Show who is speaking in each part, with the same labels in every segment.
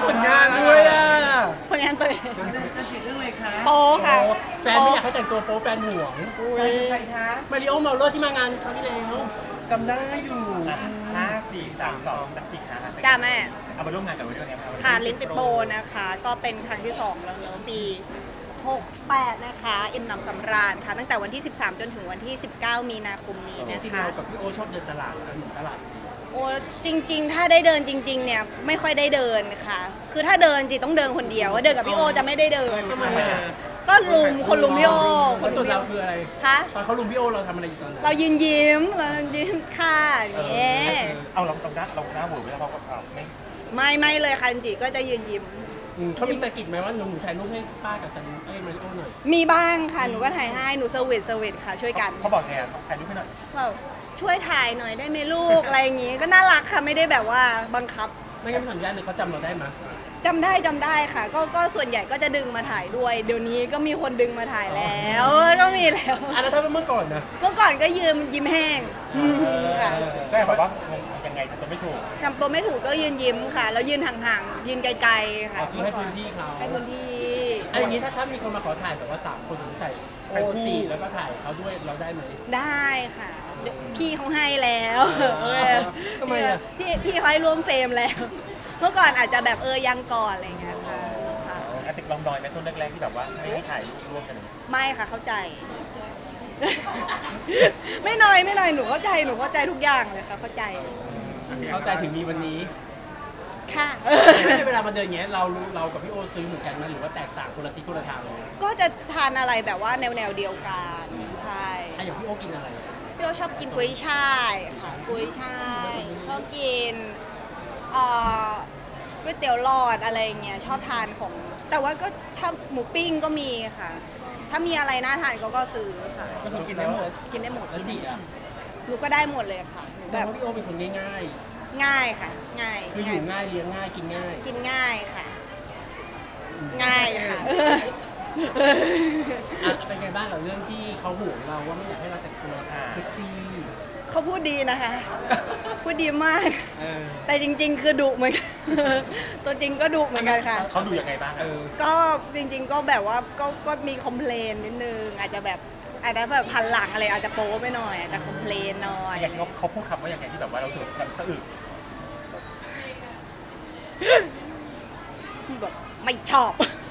Speaker 1: ผลงานด้วยอ่ะ
Speaker 2: ผลงานตัวเอง
Speaker 3: จะติดเรื่องอะไรคะ
Speaker 2: โป๊ค่ะ
Speaker 1: แฟนไม่อยากให้แต่งตัวโป๊แฟนห่วง
Speaker 3: ใครคะ
Speaker 1: มาริโอเมาเลอร์ที่มางานครั้งที่แล้ว
Speaker 3: จำได้อยู่
Speaker 4: 5 4 3 2ตัดจิกฮะ
Speaker 2: จ้าแม่
Speaker 4: เอามาร่วมงานกับวันนี้วันนี้ครับ
Speaker 2: ค่ะลิ้นติดโปนะคะ ก็เป็นครั้งที่2แล้วเนอะปี 68 นะคะอิ่มหนำสำราญค่ะ ตั้งแต่วันที่ 13 จนถึงวันที่ 19 มีนาคมนี้
Speaker 1: จ
Speaker 2: นะ
Speaker 1: ริงๆ
Speaker 2: คะ
Speaker 1: เรากับพี่โอชอบเดินตลาดกันเหมือนตลาด
Speaker 2: โอ้จริง ๆ ถ้าได้เดินจริง ๆ เนี่ยไม่ค่อยได้เดินค่ะ คือถ้าเดินจริงต้องเดินคนเดียวเดินกับพี่โอจะไม่ได้เดิน
Speaker 1: ทำไมอ่ะ
Speaker 2: ก็ลุมคนลุมพี่โอค
Speaker 1: แล้ว
Speaker 2: น
Speaker 1: ส่
Speaker 2: ลุ
Speaker 1: ว
Speaker 2: ม
Speaker 1: น
Speaker 2: พี่
Speaker 1: เรา
Speaker 2: โอ
Speaker 1: คืออะไร
Speaker 2: คะ
Speaker 1: ตอนเขาลุมพี่โอเราทำอะไรอยู่ตอนนั้น
Speaker 2: เรายืนยิ้มค่ะอย่างเงี้ย
Speaker 4: เอาเราหน้าหมูไม่ได้เพราะว่า
Speaker 2: ไม่เลยค่ะจริงๆก็จะยืนยิ้ม
Speaker 1: เขามีสะกิดไหมว่าหนูถ่ายรูปให้ป้ากับจันมาริโอหน่อย
Speaker 2: มีบ้างค่ะหนูก็ถ่ายให้หนูเซอร์วิสค่ะช่วยกัน
Speaker 4: เขาบอกไงถ่ายรูปให้หน่อย
Speaker 2: แบบช่วยถ่ายหน่อยได้ไหมลูก อะไรอย่างงี้ก็น่ารักค่ะไม่ได้แบบว่าบังคับ
Speaker 1: ไม่งั้นไม่ขออนุญาตเลยเขาจำเราได้ไหม
Speaker 2: จำได้ค่ะ ก็ส่วนใหญ่ก็จะดึงมาถ่ายด้วย เดี๋ยวนี้ก็มีคนดึงมาถ่ายแล้วก็มีแล้ว
Speaker 1: แล้วถ้าเป็นเมื่อก่อนนะ
Speaker 2: เมื่อก่อนก็ยืนยิ้มแห้งค่ะ
Speaker 4: ก็แบบว่ายังไงทำตัวไม่ถูก
Speaker 2: ทำตัวไม่ถูกก็ยืนยิ้มค่ะ แล้วยืนห่างๆยืนไกลๆค่ะ
Speaker 1: คือให้พื้นที่เขา
Speaker 2: ให้พื้นที่
Speaker 1: อะไรอย่างนี้ถ้ามีคนมาขอถ่ายแบบว่า3 คนสมมติใส่โอจีแล้วก็ถ่ายเขาด้วยเราได้ไหม
Speaker 2: ได้ค่ะเดี๋ยวพี่เขาให้แล้ว
Speaker 1: ทำไมอะ
Speaker 2: พี่เขาให้ร่วมเฟรมแล้ว เมื่อก่อนอาจจะแบบยังก่อนอะไรอย่างเงี้ยค่ะค่ะ
Speaker 4: อาติกลองดอยไหมต้นแรกๆที่แบบว่าไม่ให้ถ่ายรูปร่วมกันเลย
Speaker 2: ไม่ค่ะเข้าใจ ไม่น้อยหนูเข้าใจทุกอย่างเลยค่ะเข้าใจ
Speaker 1: เข้าใจถึงมีวันนี้
Speaker 2: ค่ะ
Speaker 1: เวลามาเดินอย่างเงี้ยเรากับพี่โอซื้อเหมือนกันไหมหรือว่าแตกต่างคนละทิศคนละทางเลย
Speaker 2: ก็จะทานอะไรแบบว่าแนวเดียวกันใช่
Speaker 1: อ่ะอย่างพี่โอกินอะไร
Speaker 2: พี่โอชอบกินกุ้ยช่ายค่ะกุ้ยช่ายชอบกินเอ่อก๋วยเตี๋ยวหลอดอะไรอย่างเงี้ยชอบทานของ แต่ว่าก็ถ้าหมูปิ้งก็มีค่ะ ถ้ามีอะไรน่าทานก็ซื้อค่ะ
Speaker 1: ก็คือกินได้หมด
Speaker 2: กินได้หมด
Speaker 1: แล้วจีอ่ะ
Speaker 2: หนูก็ได้หมดเลยค่ะหนู
Speaker 1: แสด
Speaker 2: แบ
Speaker 1: ง
Speaker 2: บ
Speaker 1: ว่าพี่โอเป็นคนง่าย
Speaker 2: ง่ายค่ะ ง่าย
Speaker 1: ๆคืออยู่ง่ายเลี้ยงง่ายกินง่าย
Speaker 2: กินง่ายค่ะ ง่ายค่ะ
Speaker 1: อ่ะเป็นไงบ้างกับเรื่องที่เขาห่วงเราว่าไม่อยากให้เราแต่งตัวเซ็กซี่
Speaker 2: เขาพูดดีนะคะ พูดดีมาก
Speaker 1: เออ
Speaker 2: แต่จริง ๆ คือดุเหมือนกัน ตัวจริงก็ดุเหมือนกันค่ะ
Speaker 4: เขาดูยังไงบ้าง
Speaker 1: เออ
Speaker 2: ก็จริงๆก็แบบว่าก็มีคอมเพลนนิดนึงอาจจะแบบอาจจะแบบพันหลังอะไรอาจจะโป๊ไปหน่อยอาจจะคอมเพลนหน่อย
Speaker 4: อย่างที่เขาพูดคำว่าอย่างไงที่แบบว่าเราถูกแบบสะอึก
Speaker 2: แบบไม่ชอบ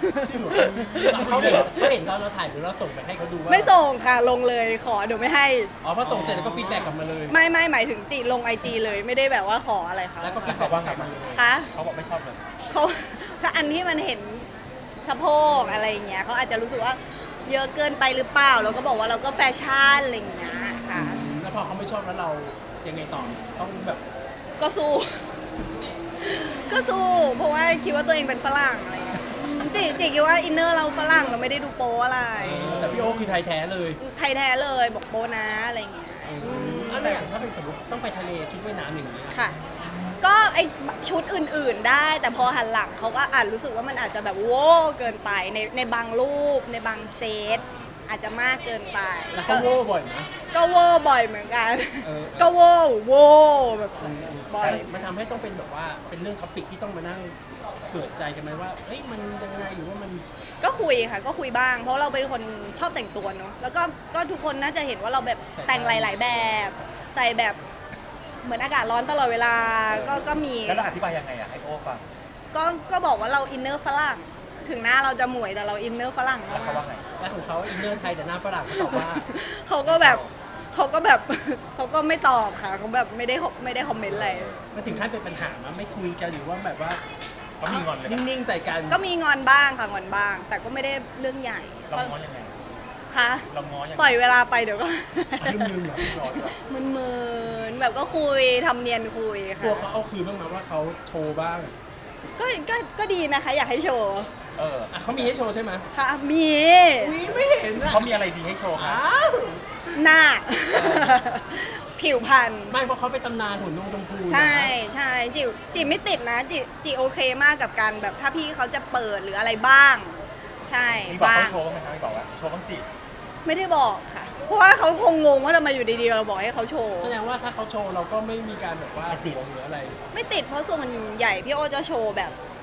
Speaker 1: เขาเห็นตอนเราถ่ายหรือเราส่งไปให้เขาดูว่า
Speaker 2: ไม่ส่งค่ะลงเลยขอเดี๋ยวไม่ให้
Speaker 1: อ๋อพอส่งเสร็จแล้วก็ฟีดแบ็กกลับมาเลย
Speaker 2: ไม่หมายถึงจีลงไอจีเลยไม่ได้แบบว่าขออะไรเขา
Speaker 1: แล้วก็ฟี
Speaker 4: แล้ว
Speaker 1: ด
Speaker 4: เขา
Speaker 1: แบ็ก
Speaker 4: ว่าก ไง
Speaker 1: ลับมา
Speaker 4: บ้าง
Speaker 1: เลย
Speaker 2: คะ
Speaker 4: เขาบอกไม่ชอบเลย
Speaker 2: เขาถ้าอันที่มันเห็นสะโพกอะไรอย่างเงี้ยเขาอาจจะรู้สึกว่าเยอะเกินไปหรือเปล่าเราก็บอกว่าเราก็แฟชั่นอะไรอย่างเงี้ยค่ะ
Speaker 1: แล้วพอเขาไม่ชอบแล้วเรายังไงต่อต้องแบบ
Speaker 2: ก็สู้ ก็สู้ เพราะว่าคิดว่าตัวเองเป็นฝรั่งอะไรเงี้ยจิคิดว่าอินเนอร์เราฝรั่งเราไม่ได้ดูโป๊อะไร
Speaker 1: แต่พี่โอคือไทยแท้เลย
Speaker 2: ไทยแท้เลยบอกโป๊นะอะไรเงี้ย
Speaker 1: แล้วอย่างถ้าเป็นสมมติต้องไปทะเลชุดว่ายน้ำอย่างนี้ย
Speaker 2: ค่ะ ก็ไอชุดอื่นๆได้ แต่พอหันหลังเขาก็อาจรู้สึกว่ามันอาจจะแบบโว้เกินไปในบางรูปในบางเซตอาจจะมากเกินไป
Speaker 1: แล้วเขาโง่บ่อยนะ
Speaker 2: ก็โว้บ่อยเหมือนกัน
Speaker 1: เออ
Speaker 2: ก็โว้แบบบ่อย
Speaker 1: มันทำให้ต้องเป็นแบบว่าเป็นเรื่องท็อปิกที่ต้องมานั่งเปิดใจกันไหมว่าเฮ้ยมันยังไงหรือว่ามัน
Speaker 2: ก็คุยค่ะก็คุยบ้าง เพราะเราเป็นคนชอบแต่งตัวเนาะแล้วก็ทุกคนน่าจะเห็นว่าเราแบบแต่งหลาย ๆ แบบ ใส่แบบเหมือนอากาศร้อนตลอดเวลาก็มี
Speaker 4: แล้วเราอธิบายยังไงอ่ะให้โอ้ฟัง
Speaker 2: ก็บอกว่าเราอินเนอร์ฝรั่งถึงหน้าเราจะหมวยแต่เราอินเนอร์ฝรั่ง
Speaker 4: แล้วเขาว่าไง
Speaker 1: และของเขาอินเนอร์ไทยแต่หน้าฝรั่งเขาตอบว่า
Speaker 2: เขาก็แบบ เขาก็ไม่ตอบค่ะเขาแบบไม่ได้คอมเมนต์อะไร
Speaker 1: มันถึงขั้นเป็นปัญหามาไม่คุยกันหรือว่าแบบว่า
Speaker 4: เขามีงอนเลยนะ
Speaker 1: นิ่งๆใส่กัน
Speaker 2: ก็มีงอนบ้างค่ะงอนบ้าง แต่ก็ไม่ได้เรื่องใหญ่
Speaker 4: เราง้อยังไง
Speaker 2: ค่ะ
Speaker 4: เราง้อยังไง
Speaker 2: ปล่อยเวลาไปเดี๋ยวก็
Speaker 1: ลืมๆเหรอพี่ร้อนเหรอ
Speaker 2: มึนๆแบบก็คุยทำเนียนคุยค่ะ
Speaker 1: ตัวเขาเอาคืนบ้างไหมว่าเขาโชว์บ้าง
Speaker 2: ก็ดีนะคะ อยากให้โชว์
Speaker 4: เออ
Speaker 1: อ่ะเขามีให้โชว์ใช่ไหม
Speaker 2: ค่ะมี
Speaker 1: อุ๊ยไม่เห็นอ่ะ
Speaker 4: เขามีอะไรดีให้โชว์คะ
Speaker 1: อ้าว
Speaker 2: หน้า ผิวพรรณ
Speaker 1: ไม่เพราะเขาเป็นตำนานหุ่นนงชมพูนะ
Speaker 2: ใช่จิไม่ติดนะจิโอเคมากกับการแบบถ้าพี่เขาจะเปิดหรืออะไรบ้าง ใช่
Speaker 4: มีบอก
Speaker 2: บ้า
Speaker 4: เขา
Speaker 2: ง
Speaker 4: โชว์บ้างไหมคะมีบอกว่าโชว์บ้างสิ
Speaker 2: ไม่ได้บอกค่ะ เพราะว่าเขาคงงงว่าทำไมอยู่ดีๆเราบอกให้เขาโชว์
Speaker 1: แสดงว่าถ้าเขาโชว์เราก็ไม่มีการแบบว่าติดหรืออะไร
Speaker 2: ไม่ติดเพราะส่วนใหญ่พี่โอจะโชว์แบบ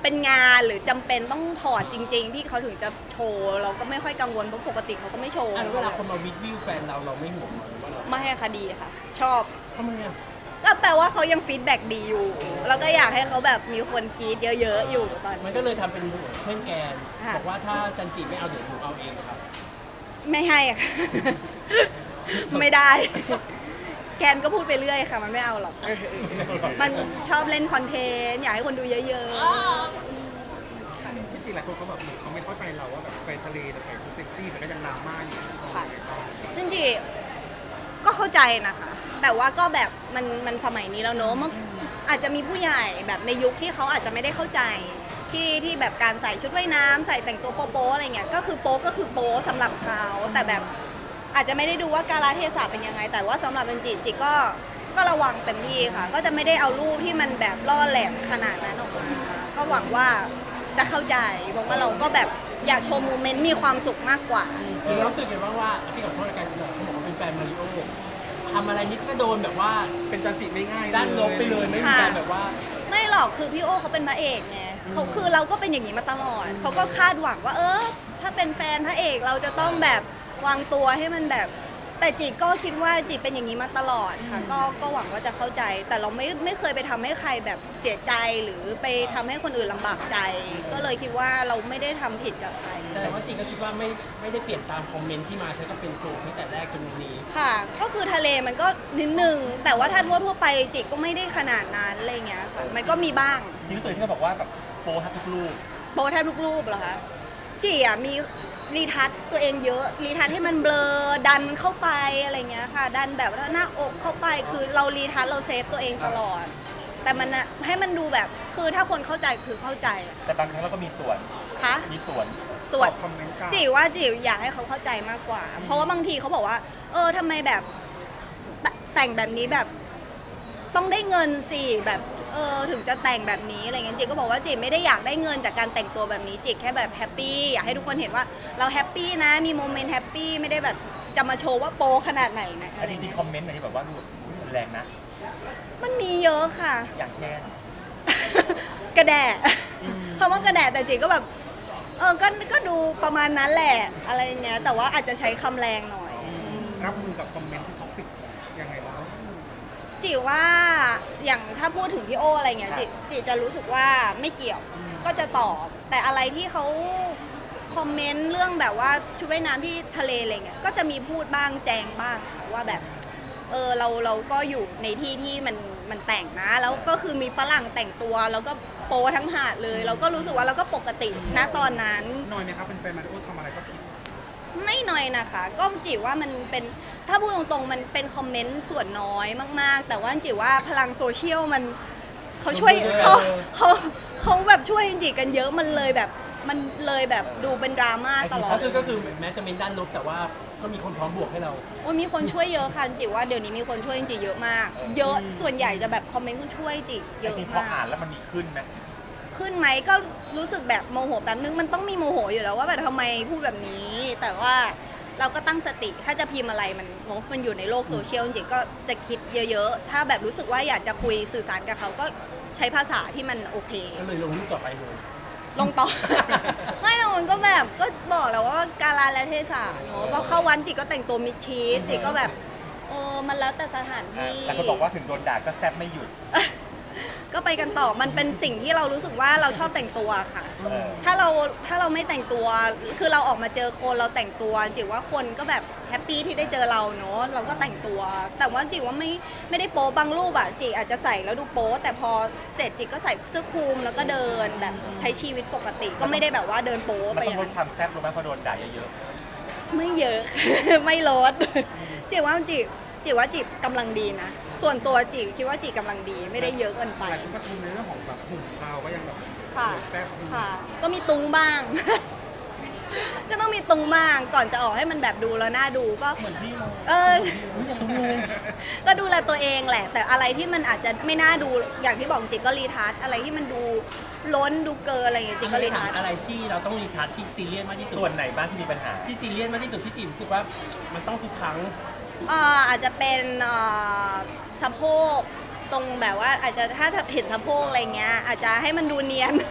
Speaker 2: เป็นงานหรือจำเป็นต้องถอดจริง ๆ ที่เขาถึงจะโชว์เราก็ไม่ค่อยกังวลเพราะปกติเขาก็ไม่โชว์
Speaker 1: อ่ะแล้วเวลาคนมาวิวแฟนเราไม่ห่วงเหรอว่าเรา
Speaker 2: ไม่ให้คดีค่ะ ชอบ
Speaker 1: ทำไมอ่ะ
Speaker 2: ก็แปลว่าเขายังฟีดแบ็กดีอยู่ แล้วก็อยากให้เขาแบบมีคนกรีดเยอะๆอยู่ตอน
Speaker 1: มัน
Speaker 2: นี้
Speaker 1: ก็เลยทำเป็นเพื่อนแกน
Speaker 2: ค่ะ
Speaker 1: บอกว่าถ้าจันจีไม่เอาเดี๋ยวหนูเอาเองครับ
Speaker 2: ไม่ให้อะ ค่ะ ไม่ได้ แกนก็พูดไปเรื่อยค่ะ มันไม่เอาหรอก มันชอบเล่นคอนเทนต์อยากให้คนดูเยอะๆ
Speaker 5: ที่จริงหลายคนเขาแบบเหมือนเขาไม่เข้าใจเราว่าแบบไปทะเลแต่ใส่ชุดเซ็กซี่แต่ก็ยังดราม่าอยู่
Speaker 2: ค่ะจริงๆก็เข้าใจนะคะ แต่ว่าก็แบบมันสมัยนี้แล้วเนอะมันอาจจะมีผู้ใหญ่แบบในยุคที่เขาอาจจะไม่ได้เข้าใจที่แบบการใส่ชุดว่ายน้ำใส่แต่งตัวโป๊ะๆอะไรเงี้ยก็คือโป๊ะก็คือโป๊ะสำหรับเขาแต่แบบอาจจะไม่ได้ดูว่ากาลเทศะเป็นยังไง แต่ว่าสำหรับเป็นจิก็ระวังเต็มที่ค่ะ ก็จะไม่ได้เอารูปที่มันแบบล่อแหลมขนาดนั้นออกมาก็หวังว่าจะเข้าใจเพราะว่าเราก็แบบอยากโชว์โมเมนต์มีความสุขมากกว่า
Speaker 1: คือรู้สึกไงบ้างว่าพี่ขอโทษในการเขาบอกว่าเป็นแฟนมาริโอทำอะไรนิดก็โดนแบบว่า
Speaker 5: เป็นจันจิไม่ง่าย
Speaker 1: ด้านลบไปเลยไม่มีการแบบว่า
Speaker 2: ไม่หรอกคือพี่โอเขาเป็นพระเอกไงเขาคือเราก็เป็นอย่างนี้มาตลอดเขาก็คาดหวังว่าถ้าเป็นแฟนพระเอกเราจะต้องแบบวางตัวให้มันแบบ แต่จีก็คิดว่าจีเป็นอย่างนี้มาตลอดค่ะก็หวังว่าจะเข้าใจ แต่เราไม่เคยไปทำให้ใครแบบเสียใจหรือไปทำให้คนอื่นลำบากใจ ก็เลยคิดว่าเราไม่ได้ทำผิดกับใคร
Speaker 1: แต่ว่าจริงก็คิดว่าไม่ได้เปลี่ยนตามคอมเมนต์ที่มาใช้ก็เป็นตัวที่แต่แรกจนวันนี้
Speaker 2: ค่ะ ก็คือทะเลมันก็นิดนึงแต่ว่าถ้าทั่วไปจิก็ไม่ได้ขนาดนั้นอะไรเงี้ยค่ะมันก็มีบ้าง
Speaker 4: จริงๆรู้สึกที่เขาบอกว่าแบบโปรทับทุกลูก
Speaker 2: โพสแทบทุกรูปเหรอคะจีอ่ะมีรีทัชตัวเองเยอะรีทัชให้มันเบลอดันเข้าไปอะไรเงี้ยค่ะ ดันแบบว่าหน้าอกเข้าไปคือเรารีทัชเราเซฟตัวเองตลอด แต่มันอะให้มันดูแบบคือถ้าคนเข้าใจคือเข้าใจ
Speaker 4: แต่บางครั้งเราก็มีส่วน
Speaker 2: คะ
Speaker 4: มีส่วน
Speaker 2: ส่วน
Speaker 5: คอมเมนต์กลับ
Speaker 2: จิว่าจิอยากให้เขาเข้าใจมากกว่า เพราะว่าบางทีเขาบอกว่าทำไมแบบแต่งแบบนี้แบบต้องได้เงินสิแบบถึงจะแต่งแบบนี้อะไรเงี้ยจิก็บอกว่าจิไม่ได้อยากได้เงินจากการแต่งตัวแบบนี้จิแค่แบบแฮปปี้อยากให้ทุกคนเห็นว่าเราแฮปปี้นะมีโมเมนต์แฮปปี้ไม่ได้แบบจะมาโชว์ว่าโปขนาดไหนนะ
Speaker 4: แต่จริงๆคอมเมนต์ไหนที่แบบว่าดูแรงนะ
Speaker 2: มันมีเยอะค่ะ
Speaker 4: อย่างเช่น
Speaker 2: กระแดะคำว่ากระแดะแต่จิก็แบบก็ดูประมาณนั้นแหละอะไรเงี้ยแต่ว่าอาจจะใช้คำแรงหน่อย
Speaker 5: รับมือกับคอมเมนต์ที่ท็อกซิกยังไงบ้าง
Speaker 2: จิว่าอย่างถ้าพูดถึงพี่โออะไรเงี้ยจิจะรู้สึกว่าไม่เกี่ยวก็จะตอบแต่อะไรที่เขาคอมเมนต์เรื่องแบบว่าชุดว่ายน้ำที่ทะเลอะไรเงี้ยก็จะมีพูดบ้างแจงบ้างค่ะว่าแบบเราก็อยู่ในที่ที่มันแต่งนะแล้วก็คือมีฝรั่งแต่งตัวแล้วก็โปทั้งหาดเลย เราก็รู้สึกว่าเราก็ปกตินะตอนนั้น
Speaker 5: น้อยไหมครับเป็นแฟนมาริโอทำอะไรก็ผิด
Speaker 2: ไม่น้อยนะคะ ก็จิว่ามันเป็นถ้าพูดตรงๆมันเป็นคอมเมนต์ส่วนน้อยมากๆ แต่ว่าจิว่าพลังโซเชียลมันเขาช่วย
Speaker 1: มัน
Speaker 2: เขาแบบช่วยจิกันเยอะมันเลยแบบดูเป็นดราม่าตลอด
Speaker 1: ก็คือแม้จะเป็นด้านลบแต่ว่าก็มีคนพร้อมบวกให้เรา
Speaker 2: โอ้ยมีคนช่วยเยอะค่ะจิว่าเดี๋ยวนี้มีคนช่วยจิเยอะมาก เยอะส่วนใหญ่จะแบบคอมเมนต์ช่วยจิเย
Speaker 4: จ
Speaker 2: อะ
Speaker 4: ริงๆพอ
Speaker 2: มา
Speaker 4: อ่าก นแล้วมันมีขึ้นไหม
Speaker 2: ขึ้นไหมก็รู้สึกแบบโมโหแบบนึงมันต้องมีโมโหอยู่แล้วว่าแบบทำไมพูดแบบนี้ แต่ว่าเราก็ตั้งสติถ้าจะพิมพ์อะไรมันอยู่ในโลกโซเชียลจริงๆก็จะคิดเยอะๆถ้าแบบรู้สึกว่าอยากจะคุยสื่อสารกับเขาก็ใช้ภาษาที่มันโอเค
Speaker 1: ก็เลยลงรูปต่อไปเลย
Speaker 2: ลงต่อ ไม่หรอกมันก็แบบก็บอกแล้วว่ากาลและเทศะเนอะพอเข้าวันจิก็แต่งตัวมิดชิดจิก็แบบมันแล้วแต่สถานที่
Speaker 4: แต่คนบอกว่าถึงโดนด่าก็แซบไม่หยุด
Speaker 2: ก็ไปกันต่อมันเป็นสิ่งที่เรารู้สึกว่าเราชอบแต่งตัวค่ะ
Speaker 4: เออ
Speaker 2: ถ้าเราไม่แต่งตัวคือเราออกมาเจอคนเราแต่งตัวจิว่าคนก็แบบแฮปปี้ที่ได้เจอเราเนอะเราก็แต่งตัว แต่ว่าจิว่าไม่ได้โป๊บางรูปอะจิอาจจะใส่แล้วดูโป๊แต่พอเสร็จจิก็ใส่เสื้อคลุมแล้วก็เดินแบบใช้ชีวิตปกติก็ไม่ได้แบบว่าเดินโป๊
Speaker 4: มัน
Speaker 2: ไปอ
Speaker 4: ต้อง
Speaker 2: ย่าง
Speaker 4: ล
Speaker 2: นั้
Speaker 4: ด
Speaker 2: น
Speaker 4: ความแซบลงไหมพอโดนด่าเยอะ
Speaker 2: ไม่เยอะ ไม่ลดจิว่าจิว่าจิกำลังดีนะส่วนตัวจิคิดว่าจิกำลังดีไม่ได้เยอะเกินไป
Speaker 5: หลายคนก็ชมในเรื่องของแบบหุ่นเราก็ยังแบบ
Speaker 2: ค่ะ
Speaker 5: สวยแซ่บอยู่
Speaker 2: ค่ะ ก็มีตุงบ้าง ก็ต้องมีตุงบ้าง ก่อนจะออกให้มันแบบดูแล้วน่าดูก็
Speaker 1: เหมือนพี่เลย
Speaker 2: เออ
Speaker 1: ไม่จะตุ้งเลย
Speaker 2: ก็ดูแลตัวเองแหละ แต่อะไรที่มันอาจจะไม่น่าดู อย่างที่บอกจริงก็รีทัชอะไรที่มันดูล้นดูเกินอะไรอย่างเงี้ยจริงก็รีทัช
Speaker 1: อะไรที่เราต้องรีทัชที่ซีเรียสมากที่
Speaker 4: ๆ
Speaker 1: สุด
Speaker 4: ส่วนไหนบ้างที่มีปัญหา
Speaker 1: ที่ซีเรียสมากที่สุดที่จิ๋มรู้สึกว่ามันต้องทุกครั้ง
Speaker 2: อาจจะเป็นสะโพกตรงแบบว่าอาจจะถ้าเห็นสะโพกอะไรเงี้ยอาจจะให้มันดูเนียน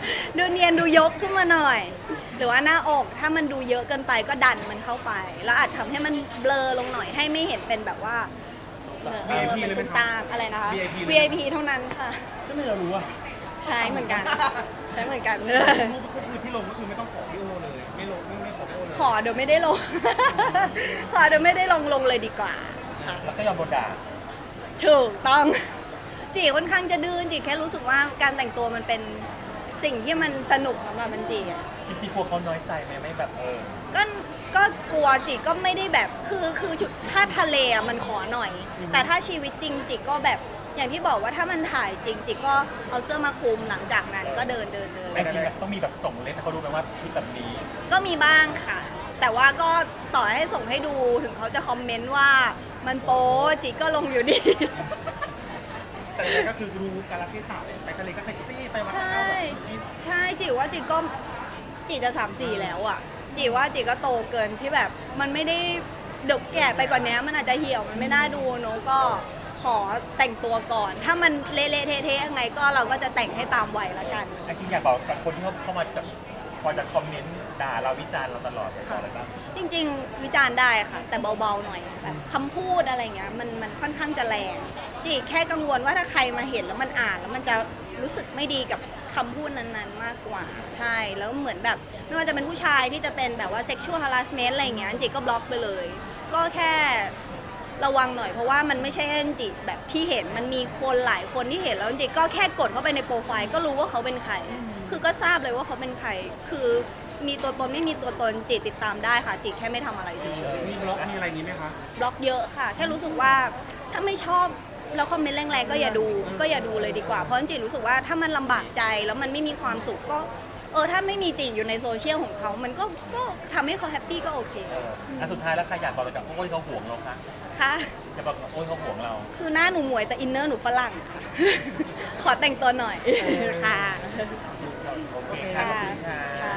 Speaker 2: ดูเนียนดูยกขึ้นมาหน่อย หรือว่าหน้าอกถ้ามันดูเยอะเกินไปก็ดันมันเข้าไป แล้วอาจทำให้มันเบลอลงหน่อยให้ไม่เห็นเป็นแบบว่าเป็นตุ้มตามอะไรนะคะ VIP เท่านั้นค่ะ
Speaker 1: ก็ไม่เรารู้อ่ะ
Speaker 2: ใช้เหมือนกัน ใช้เหมือนกัน
Speaker 5: รูปก็คือที่ลงก็คือไม่ต้องขอพี่โอเลย ไม่ลงไม่ขอพี่โอเลย
Speaker 2: ขอเดี๋ยวไม่ได้ลง ขอเดี๋ยวไม่ได้ลงเลยดีกว่าค่ะ
Speaker 4: แล้วก็ยอมโดนด่า
Speaker 2: ถูกต้อง จีค่อนข้างจะดื้อจีแค่รู้สึกว่าการแต่งตัวมันเป็นสิ่งที่มันสนุกสำหรับมันจีอ่ะ
Speaker 4: จริงๆกลัวเขาน้อยใจไหมไม่แบบ
Speaker 2: ก็กลัวจิก็ไม่ได้แบบคือชุดถ้าทะเลอะมันขอหน่อย แต่ถ้าชีวิตจริงจิก็แบบอย่างที่บอกว่าถ้ามันถ่ายจริงจิก็เอาเสื้อมาคลุมหลังจากนั้นก็เดิน
Speaker 4: แต่จริงๆต้องมีแบบส่งเล่นให้เขาดูไหมว่าชุดแบบนี้
Speaker 2: ก็มีบ้างค่ะ แต่ว่าก็ต่อให้ส่งให้ดูถึงเขาจะคอมเมนต์ว่ามันโป๊จิก็ลงอยู่ดี
Speaker 5: แต่ยังไงก็คือรู้การรักที่สาวไปทะเลก็เซ็กซี่ไปวัด
Speaker 2: ใช่
Speaker 5: เอาแบบจิ๊บ
Speaker 2: ใช่จิว่าจิก็จิจะ3-4แล้วอ่ะจิว่าจิก็โตเกินที่แบบมันไม่ได้เด็กแก่ไปกว่านนี้มันอาจจะเหี่ยวมันไม่น่าดูเนอะก็ขอแต่งตัวก่อน ถ้ามันเละๆเทะๆยังไงก็เราก็จะแต่งให้ตามวัยละกัน
Speaker 4: จริงๆอยากบอกกับคนที่เขาเข้ามาแบบคอยจะคอมเมนต์ด่าเราวิจารณ์เราตลอดเลยอะไรบ้าง
Speaker 2: จริงๆ วิจารณ์ได้ค่ะ แต่เบาๆหน่อยแบบคำพูดอะไรเงี้ยมันค่อนข้างจะแรงจีแค่กังวลว่าถ้าใครมาเห็นแล้วมันอ่านแล้วมันจะรู้สึกไม่ดีกับคำพูดนั้นๆมากกว่าใช่แล้วเหมือนแบบไม่ว่าจะเป็นผู้ชายที่จะเป็นแบบว่า sexual harassment อะไรเงี้ยจีก็บล็อกไปเลย ก็แค่ระวังหน่อยเพราะว่ามันไม่ใช่แค่จีแบบที่เห็นมันมีคนหลายคนที่เห็นแล้วจีก็แค่กดเข้าไปในโปรไฟล์ก็รู้ว่าเขาเป็นใครคือก็ทราบเลยว่าเขาเป็นใครคือมีตัวตนไม่มีตัวตนจีติดตามได้ค่ะจีแค่ไม่ทำอะไรเฉยๆ
Speaker 5: มีบล็อกมีอะไรอย่างนี้ไหมคะ
Speaker 2: บล็อกเยอะค่ะ แค่รู้สึกว่าถ้าไม่ชอบแล้วคอมเมนต์แรงๆก็อย่าดูเลยดีกว่าเพราะจริงๆรู้สึกว่าถ้ามันลำบากใจแล้วมันไม่มีความสุขก็ถ้าไม่มีจีอยู่ในโซเชียลของเขามันก็ทำให้เขาแฮปปี้ก็โอเค
Speaker 4: อันสุดท้ายแล้วใครอยากบอกอะไรกับโอ้ยเขาห่วงเราคะ
Speaker 2: ค่ะ
Speaker 4: อยากบอกโอ้ยเขาห่วงเรา
Speaker 2: คือหน้าหนูหมวยแต่อินเนอร์หนูฝรั่งค่ะ ขอแต่งตัวหน่อยค่ะ
Speaker 4: โอเคค่ะขอบคุณค่ะ
Speaker 2: ค่ะ